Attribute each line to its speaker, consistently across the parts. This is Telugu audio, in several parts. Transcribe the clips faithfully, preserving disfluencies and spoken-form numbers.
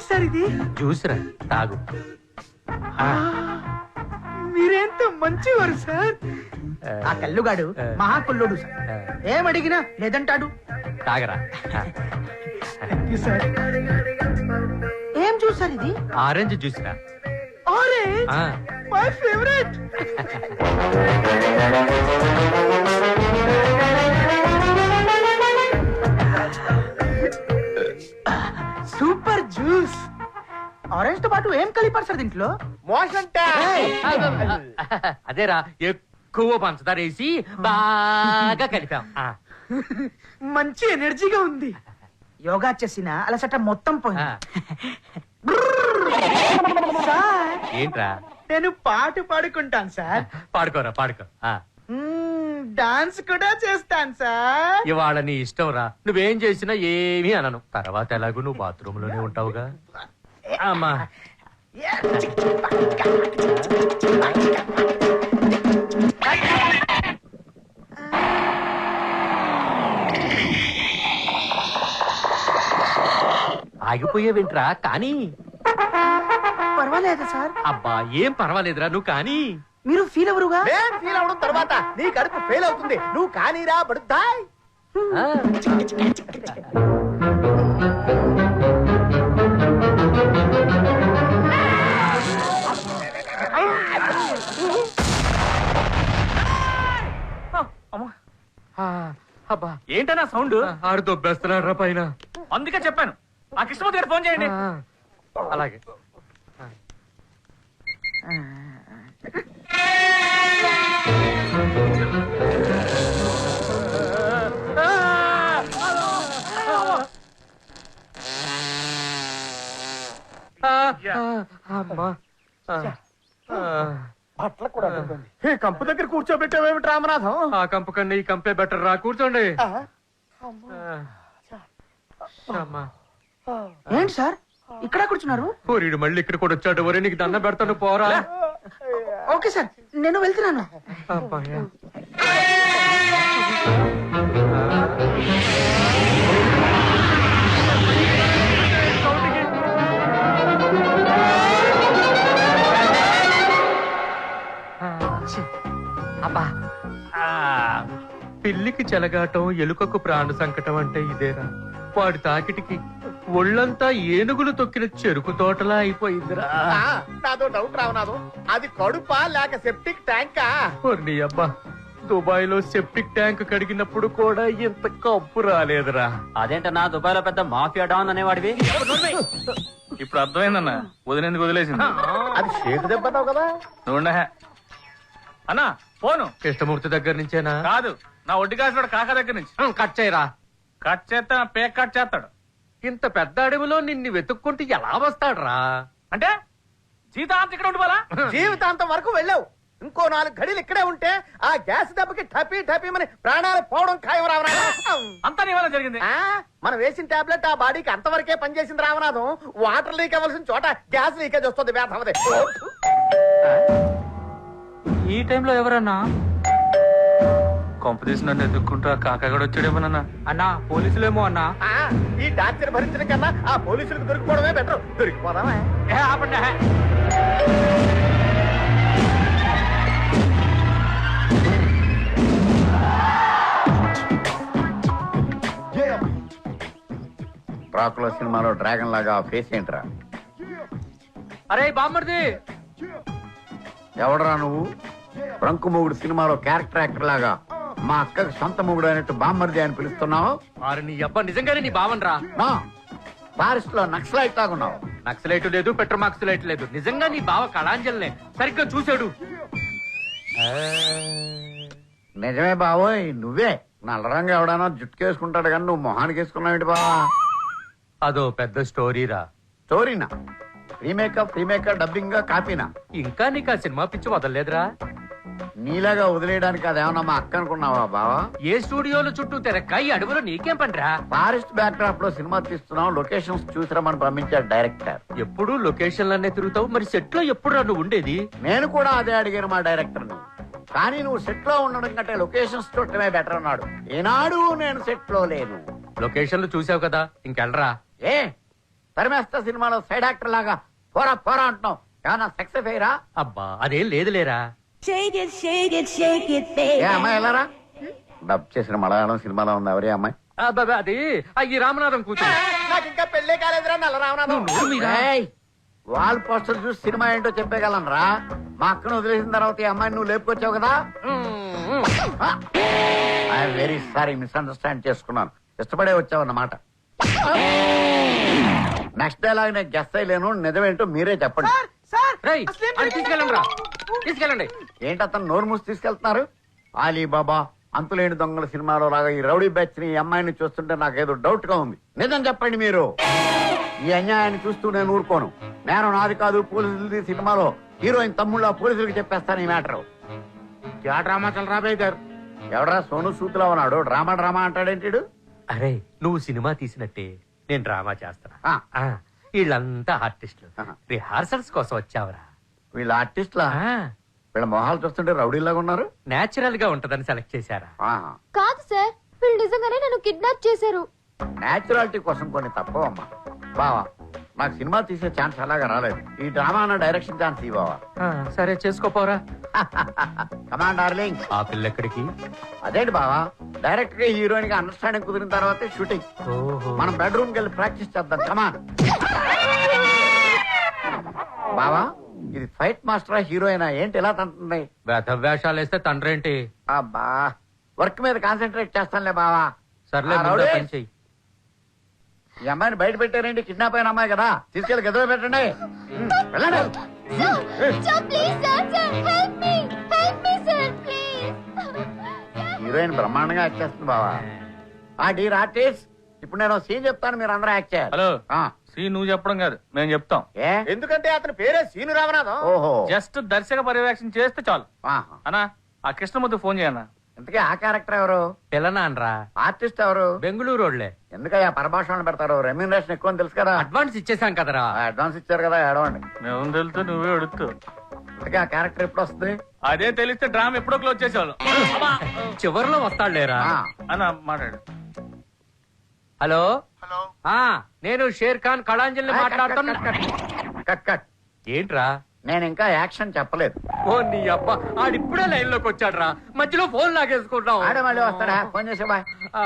Speaker 1: ఏంటి సార్ ఇది?
Speaker 2: జ్యూస్ రా, తాగు.
Speaker 1: మీరెంత మంచివారు సార్. ఆ కల్లుగాడు మహాకుల్లుడు సార్. ఏమడిగినా లేదంటాడు.
Speaker 2: తాగరా.
Speaker 1: ఏం చూసారు ఇది?
Speaker 2: ఆరెంజ్ జ్యూస్ రా.
Speaker 1: Orange my favourite. Super juice. Orange తో పాటు ఏం కలిపారు సార్ దీంట్లో?
Speaker 3: మోషన్
Speaker 2: అదేరా, ఎక్కువ పంచదార వేసి బాగా కలిపాం.
Speaker 1: మంచి ఎనర్జీగా ఉంది. యోగా చేసిన అలసట మొత్తం పోయింది. సార్
Speaker 2: ఏంట్రా?
Speaker 1: నేను పాట పాడుకుంటాను సార్.
Speaker 2: పాడుకోరా, పాడుకో.
Speaker 1: డాన్స్ కూడా చేస్తాను సార్.
Speaker 2: ఇవాళ నీ ఇష్టం రా, నువ్వేం చేసినా ఏమీ అనను. తర్వాత ఎలాగో నువ్వు బాత్రూమ్ లోనే ఉంటావుగా. అమ్మా ఆగిపోయేవింట్రా, కానీ
Speaker 1: పర్వాలేదు సార్.
Speaker 2: అబ్బా ఏం పర్వాలేదురా, నువ్వు కానీ.
Speaker 1: మీరు ఫీల్ ఎవరుగా?
Speaker 3: నేను ఫీల్ అవడం తర్వాత నీ కడుపు ఫెయిల్ అవుతుంది. నువ్వు కానీరా బడుద్దాయ్.
Speaker 2: అబ్బా ఏంటన్నా సౌండ్? ఆడు దొబ్బేస్తున్నాడు రా పైన.
Speaker 4: అందుకే చెప్పాను ఆ కృష్ణమూర్తి గారు ఫోన్ చేయండి.
Speaker 2: అలాగే.
Speaker 3: అట్లా కూడా ఈ కంపు దగ్గర కూర్చోబెట్టావేమిటి రామనాథం?
Speaker 2: ఆ కంపు కన్నా ఈ కంపే బెటర్ రా, కూర్చోండి.
Speaker 1: ఏంటి సార్ ఇక్కడ కూర్చున్నారు?
Speaker 2: ఓరీడు మళ్ళీ ఇక్కడ కూడా వచ్చాడు. ఒరే నీకు దండం పెడతాను, పోరా.
Speaker 1: ఓకే సార్, నేను వెళ్తున్నాను.
Speaker 2: అబ్బా పిల్లికి చెలగాటం, ఎలుకకు ప్రాణ సంకటం అంటే ఇదేరా. వాడి తాకిటికి ఒళ్ళంతా ఏనుగులు తొక్కిన చెరుకు తోటలా అయిపోయిందిరా.
Speaker 3: నాదో డౌట్ రావనాథం, అది కడుపా లేక సెప్టిక్ ట్యాంకా?
Speaker 2: నీ అబ్బా, దుబాయ్ లో సెప్టిక్ ట్యాంక్ కడిగినప్పుడు కూడా ఇంత కప్పు రాలేదురా.
Speaker 4: అదేంటన్నా దుబాయ్ లో పెద్ద మాఫియా డాన్ అనేవాడివి.
Speaker 5: ఇప్పుడు అర్థమైందన్నా, వదిలేందుకు వదిలేసింది.
Speaker 3: అది షేక్ దెబ్బతావు కదా.
Speaker 5: నువ్వు అన్నా ఫోను
Speaker 2: కృష్ణమూర్తి దగ్గర నుంచేనా?
Speaker 5: కాదు, నా ఒడ్డు కాసిన కాక దగ్గర నుంచి.
Speaker 2: కట్ చేయరా.
Speaker 5: కట్ చేస్తా, పేక్ కట్ చేస్తాడు.
Speaker 2: ఇంత పెద్ద అడవిలో నిన్ను వెతుక్కుంటూ ఎలా వస్తాడ్రా?
Speaker 5: అంటే జీవితాంతం ఇక్కడ ఉండిపోలా?
Speaker 3: జీవితాంతం వరకు వెళ్ళావు. ఇంకో నాలుగు గడిలు ఇక్కడే ఉంటే ఆ గ్యాస్ దెబ్బకి టపీ టపీమని ప్రాణాలు పోవడం ఖాయం రావనాథం.
Speaker 5: అంతా నీ వల్ల జరిగింది.
Speaker 3: మనం వేసిన టాబ్లెట్ ఆ బాడీకి అంతవరకే పనిచేసింది రామనాథం. వాటర్ లీక్ అవ్వాల్సిన చోట గ్యాస్ లీకేజ్ వస్తుంది. వేధవదే.
Speaker 5: ఈ టైంలో ఎవరన్నా కొంప తీసి నన్ను ఎదుక్కుంటూ ఆ కాకా కూడా వచ్చాడేమోనన్నా.
Speaker 2: అన్నా పోలీసులేమో అన్నా.
Speaker 3: ఈ డాక్టర్ భరించడం కన్నా ఆ పోలీసులకు దొరికిపోవడమే బెటర్. దొరికిపోదామా?
Speaker 6: డ్రాకులా సినిమాలో డ్రాగన్ లాగా ఫేస్ ఏంట్రా?
Speaker 2: అరే బామ్మర్ది,
Speaker 6: ఎవడరా నువ్వు? బ్రంకు మొగుడు సినిమాలో క్యారెక్టర్ యాక్టర్ లాగా మా అక్కకి సొంత మొగుడు అయినట్టు బామ్మర్ది అని పిలుస్తున్నావు?
Speaker 2: అరే నీ అబ్బా నిజంగానే నీ బావన్ రా.
Speaker 6: నా ఫారెస్ట్ లో నక్సలైట్ లాగున్నావు.
Speaker 2: నక్సలైట్ లేదు, పెట్రోమాక్సలైట్ లేదు. నిజంగా నీ బావ కళాంజలినే సరిగ్గా చూశాడు.
Speaker 6: నిజమే బావోయ్, నువ్వే. నల్లరంగా ఎవడైనా జుట్టుకేసుకుంటాడు కానీ నువ్వు మొహానికి వేసుకున్నావు బావా?
Speaker 2: అదో పెద్ద స్టోరీరా.
Speaker 6: స్టోరీనా? రీమేకప్ రీమేకప్ డబ్బింగ్ కాపీనా?
Speaker 2: ఇంకా నీకు ఆ సినిమా పిచ్చి వదలలేదురా?
Speaker 6: నీలాగా వదిలేయడానికి అదేమన్నా మా అక్క అనుకున్నావా బావా?
Speaker 2: ఏ స్టూడియోలో చుట్టూ తెరక్క ఈ అడవులో నీకేం పనిరా?
Speaker 6: ఫారెస్ట్ బ్యాక్ డ్రాప్ లో సినిమా తీస్తున్నాం, లొకేషన్స్ చూసిరమని పంపించాడు డైరెక్టర్.
Speaker 2: ఎప్పుడు లొకేషన్లనే తిరుగుతావు, మరి సెట్ లో ఎప్పుడు రా నువ్వు ఉండేది?
Speaker 6: నేను కూడా అదే అడిగాను మా డైరెక్టర్ ని. కానీ నువ్వు సెట్ లో ఉండడం కంటే లొకేషన్స్ చూడటమే బెటర్ అన్నాడు. ఏనాడు నేను సెట్ లో లేను.
Speaker 2: లొకేషన్లు చూసావు కదా, ఇంకెళ్ళరా.
Speaker 6: ఏ తరిమేస్తా సినిమాలో సైడ్ యాక్టర్ లాగా పోరా పోరా అంటున్నావు. ఏమన్నా సక్సెస్ అయ్యరా?
Speaker 2: అబ్బా అదేం లేదులేరా.
Speaker 7: Shake it, shake it, shake it,
Speaker 6: A
Speaker 7: baby.
Speaker 6: అమ్మాయి వెళ్ళారా? డబ్ చేసిన మలయాళం సినిమాలో ఉంది ఎవరే అమ్మాయి?
Speaker 2: అబ్బబ్బా, అది ఆ ఈ రామనాథం కూతురు.
Speaker 3: నాకు ఇంకా పెళ్ళే కాలేదురా నల్ల రామనాథం.
Speaker 6: ఏయ్, వాల్ పోస్టర్ చూసి సినిమా ఏంటో చెప్పగలను రా. మా అక్కను వదిలేసిన తర్వాత ఈ అమ్మాయిని నువ్వు లేపుకొచ్చావు కదా. ఐఎమ్ వెరీ సారీ, మిస్అండర్స్టాండ్ చేసుకున్నాను. ఇష్టపడే వచ్చావు అన్నమాట. నెక్స్ట్ డైలాగ్ నేను గెస్ట్ అయ్యలేను, నిజమేంటో మీరే చెప్పండి.
Speaker 1: సార్ సార్
Speaker 2: రేయ్,
Speaker 1: అసలేం
Speaker 2: అది తీసుకెళ్ళండి రా, తీసుకెళ్ళండి.
Speaker 6: ఏంటి అతను నోరు మూసి తీసుకెళ్తున్నారు? ఆలీబాబా అంతులేని దొంగల సినిమాలో లాగా ఈ రౌడీ బ్యాచ్ ని ఈ అమ్మాయిని చూస్తుంటే నాకేదో డౌట్ గా ఉంది. నిజం చెప్పండి మీరు. ఈ అన్యాయాన్ని చూస్తూ నేను ఊరుకోను. నేను నాది కాదు పోలీసులది సినిమాలో హీరోయిన్ తమ్ముళ్ళ పోలీసులకు చెప్పేస్తాను ఈ మ్యాటర్. క్యా డ్రామా చల్ రా బేదర్? ఎవడరా సోను సూతులా ఉన్నాడు డ్రామా డ్రామా అంటాడేంటి?
Speaker 2: అరే నువ్వు సినిమా తీసినట్టే నేను డ్రామా చేస్తున్నా.
Speaker 6: ఆ.
Speaker 2: ఆ, వీళ్ళంతా ఆర్టిస్టులు.
Speaker 6: ఆహా.
Speaker 2: రిహార్సల్స్ కోసం వచ్చావరా.
Speaker 6: వీళ్ళ ఆర్టిస్ట్లా? వీళ్ళ మొహాలు చూస్తుంటే రౌడీలాగా ఉన్నారు.
Speaker 2: నేచురల్ గా ఉంటదని సెలెక్ట్ చేశారా.
Speaker 8: కాదు సార్, వీళ్ళు నిజంగానే నన్ను కిడ్నాప్ చేశారు.
Speaker 6: నేచురాలిటీ కోసం కొన్ని తప్పవమ్మా. బావా నాకు సినిమా తీసే ఛాన్స్ అలాగా రాలేదు. ఈ డ్రామా అన్న డైరెక్షన్ ఛాన్స్ ఈ బావా.
Speaker 2: ఆ, సరే చేసుకోపోరా.
Speaker 6: Command darling.
Speaker 2: ఆ పిల్ల ఎక్కడికి?
Speaker 6: అదేంటి బావా, డైరెక్ట్ గా హీరోయిన్ గా అండర్స్టాండింగ్ కుదిరిన తర్వాతే షూటింగ్.
Speaker 2: ఓహో.
Speaker 6: మనం బెడ్రూమ్ కి వెళ్ళి ప్రాక్టీస్ చేద్దాం. కమాన్. బావా ఇది ఫైట్ మాస్టరా హీరోయినా ఏంటి ఎలా తంటుంది?
Speaker 2: వేధ వేషాలు వేస్తే తండ్రేంటి?
Speaker 6: అబ్బా వర్క్ మీద కాన్సన్ట్రేట్ చేస్తానులే బావా.
Speaker 2: సర్లే,
Speaker 6: ఆ,
Speaker 2: ముందు
Speaker 6: రౌడీ.
Speaker 2: పని చెయ్యి.
Speaker 6: ఈ అమ్మాయిని బయట పెట్టారేంటి? కిడ్నాప్ అయిన అమ్మాయి కదా, తీసుకెళ్లి గదిలో పెట్టండి. ఉమ్, వెళ్ళండి.
Speaker 8: Sir please sir, sir help me, help me sir please.
Speaker 6: Heroine బ్రహ్మాండంగా యాక్ట్ చేస్తుంది బావా. ఆ డీర్ ఆర్టిస్ట్, ఇప్పుడు నేను సీన్ చెప్తాను, మీరు అందరూ యాక్ట్ చేయాలి.
Speaker 5: హలో
Speaker 6: ఆ,
Speaker 5: శ్రీ నువ్వు చెప్పడం కాదు మేము చెప్తాం.
Speaker 6: ఏ
Speaker 3: ఎందుకంటే అతని పేరే సీను రామనాథం.
Speaker 6: ఓహో
Speaker 5: జస్ట్ దర్శక పర్యవేక్షణ చేస్తే చాలు.
Speaker 6: ఆహా.
Speaker 5: అన్నా ఆ కృష్ణమూర్తి ఫోన్ చేయన్నా.
Speaker 6: ఇంతకీ ఆ క్యారెక్టర్ ఎవరు?
Speaker 2: పిల్లనాన్రా,
Speaker 6: ఆర్టిస్ట్ ఎవరు?
Speaker 2: బెంగళూరు రోడ్లే.
Speaker 6: ఎందుకయ్యా పరభాషణ పెడతారు? రెమ్యూనరేషన్ ఎక్కువ అని తెలుసు కదా.
Speaker 2: అడ్వాన్స్ ఇచ్చేసాం కదరా.
Speaker 6: అడ్వాన్స్ ఇచ్చారు కదా, ఏడవండి.
Speaker 5: మేము తెలుస్తూ నువ్వే అడుగుతూ.
Speaker 6: ఇంతకీ ఆ క్యారెక్టర్ ఎప్పుడు వస్తుంది?
Speaker 5: అదే తెలిస్తే డ్రామా ఎప్పుడో క్లోజ్ చేసేవాళ్ళం.
Speaker 2: చివరిలో వస్తాడులేరా.
Speaker 6: ఆ,
Speaker 5: అన్న మాట్లాడు.
Speaker 2: హలో ఆ నేను షేర్ ఖాన్ కళాంజలిని మాట్లాడుతున్నా.
Speaker 6: Cut cut.
Speaker 2: ఏంట్రా?
Speaker 6: నేను ఇంకా యాక్షన్ చెప్పలేదు.
Speaker 2: ఓ నీ అబ్బా, ఆడిప్పుడే లైన్ లోకి వచ్చాడ్రా, మధ్యలో ఫోన్ లాగేసుకుంటాం.
Speaker 6: ఆడే మళ్ళీ వస్తాడా? ఫోన్ చేసే బాయ్.
Speaker 2: ఆ.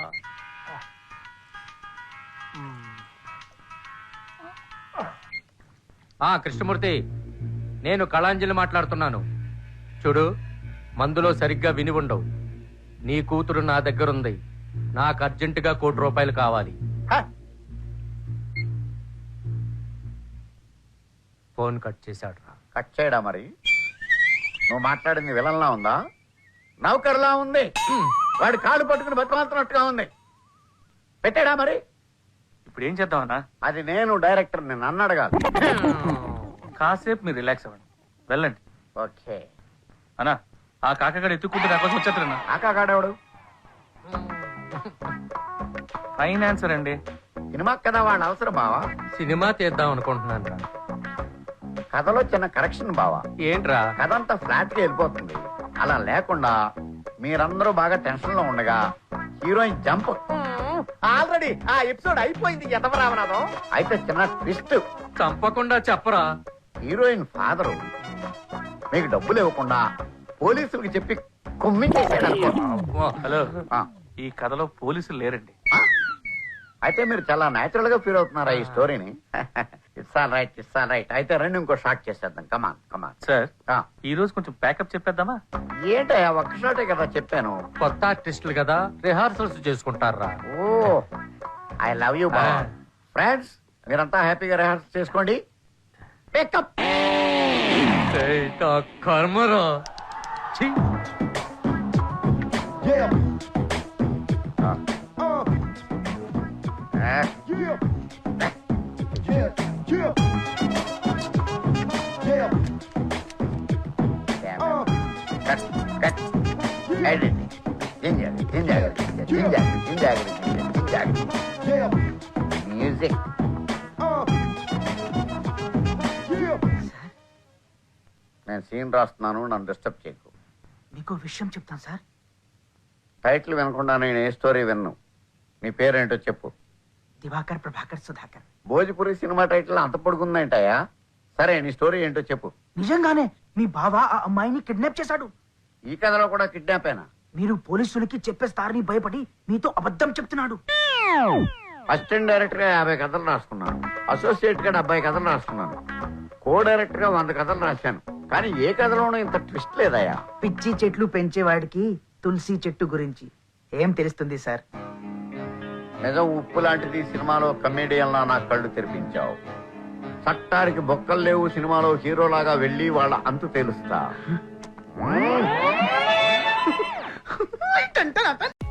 Speaker 2: ఆ కృష్ణమూర్తి, నేను కళాంజలి మాట్లాడుతున్నాను. చూడు, మందులో సరిగ్గా విని ఉండవు. నీ కూతురు నా దగ్గరుంది. నాకు అర్జెంటుగా కోటి రూపాయలు కావాలి.
Speaker 6: హ,
Speaker 2: ఫోన్ కట్ చేశాడు రా.
Speaker 6: కట్ చేయడా మరి? నువ్వు మాట్లాడింది విలన్లా ఉందా, నౌకర్లా ఉంది? వాడి కాళ్ళు పట్టుకుని బతిమాలుతున్నట్టుగా ఉంది. పెట్టాడా మరి?
Speaker 5: ఇప్పుడు ఏం చేద్దాం అన్నా?
Speaker 6: అది నేను డైరెక్టర్, నేను నన్ను అడగాలి.
Speaker 5: కాసేపు మీరు రిలాక్స్ అవ్వండి, వెళ్ళండి.
Speaker 6: ఓకే.
Speaker 5: అన్నా ఆ కాకగాడు ఎత్తుకుంటే నా కోసం వచ్చేస్తారన్నా.
Speaker 6: ఆకాగాడేవాడు?
Speaker 5: ఫైనాన్సర్ అండి.
Speaker 6: సినిమా కదా వాడు అవసరం బావా.
Speaker 2: సినిమా తీద్దాం అనుకుంటున్నాను రా.
Speaker 6: కథలో చిన్న కరెక్షన్ బావా.
Speaker 2: ఏంట్రా?
Speaker 6: కథ అంతా ఫ్లాట్ గా వెళ్ళిపోతుంది. అలా లేకుండా మీరందరూ బాగా టెన్షన్ లో ఉండగా హీరోయిన్ జంప్.
Speaker 3: ఆల్రెడీ ఆ ఎపిసోడ్ అయిపోయింది. ఎదవ రామనాథం.
Speaker 6: అయితే చిన్న ట్విస్ట్.
Speaker 2: చంపకుండా చెప్పరా.
Speaker 6: హీరోయిన్ ఫాదరు మీకు డబ్బులు ఇవ్వకుండా పోలీసులకు చెప్పి కుమ్మించేసాడు అనుకో.
Speaker 2: వా.
Speaker 5: హలో
Speaker 6: ఆ,
Speaker 5: ఈ కథలో పోలీసులు లేరండి.
Speaker 6: ఆ? అయితే మీరు చాలా నేచురల్ గా ఫీల్ అవుతున్నారా ఈ స్టోరీని? It's all right, it's all right. అయితే రెండు ఇంకో షాట్ చేసేద్దాం. కమాన్ కమాన్.
Speaker 5: సార్ ఈ రోజు కొంచెం ప్యాకప్ చెప్పేద్దామా?
Speaker 6: ఏంటయ్యా ఒక్క షాటే కదా చెప్పాను.
Speaker 2: కొత్త ఆర్టిస్టులు కదా, రిహార్సల్స్ చేసుకుంటారా.
Speaker 6: ఓ ఐ లవ్ యూ బా. ఫ్రెండ్స్ మీరంతా హ్యాపీగా రిహార్సల్ చేసుకోండి. పికప్.
Speaker 2: ఏయ్, నా కర్మరా. ఛీ.
Speaker 6: మ్యూజిక్. నేను సీన్ రాస్తున్నాను, నన్ను డిస్టర్బ్ చేయకు.
Speaker 1: మీకు విషయం చెప్తాను సార్.
Speaker 6: టైటిల్ వినకుండా నేను ఏ స్టోరీ విన్ను. నీ పేరేంటో చెప్పు.
Speaker 1: దివాకర్ ప్రభాకర్ సుధాకర్.
Speaker 6: భోజ్పురి సినిమా టైటిల్ అంత పొడుగుందంటాయా? సరే నీ స్టోరీ ఏంటో చెప్పు.
Speaker 1: నిజంగానే మీ బావ ఆ అమ్మాయిని కిడ్నాప్ చేశాడు.
Speaker 6: ఈ కథలో కూడా కిడ్నాపేనా?
Speaker 1: మీరు పోలీసులకి చెప్పేస్తారని భయపడి మీతో అబద్ధం చెప్తున్నాడు.
Speaker 6: అసిస్టెంట్ డైరెక్టర్ గా యాభై కథలు రాసుకున్నాను, అసోసియేట్ గా డెబ్బై కథలు రాసుకున్నాను, కో డైరెక్టర్ గా వంద కథలు రాశాను. కానీ ఏ కథలోనూ ఇంత ట్విస్ట్ లేదయ్యా.
Speaker 1: పిచ్చి చెట్లు పెంచేవాడికి తులసి చెట్టు గురించి ఏం తెలుస్తుంది సార్?
Speaker 6: నిజం ఉప్పు లాంటిది సినిమాలో కమేడియన్ లా నా కళ్ళు తెరిపించావు. చట్టానికి బొక్కలు లేవు సినిమాలో హీరోలాగా వెళ్ళి వాళ్ళ అంతు తెలుస్తా.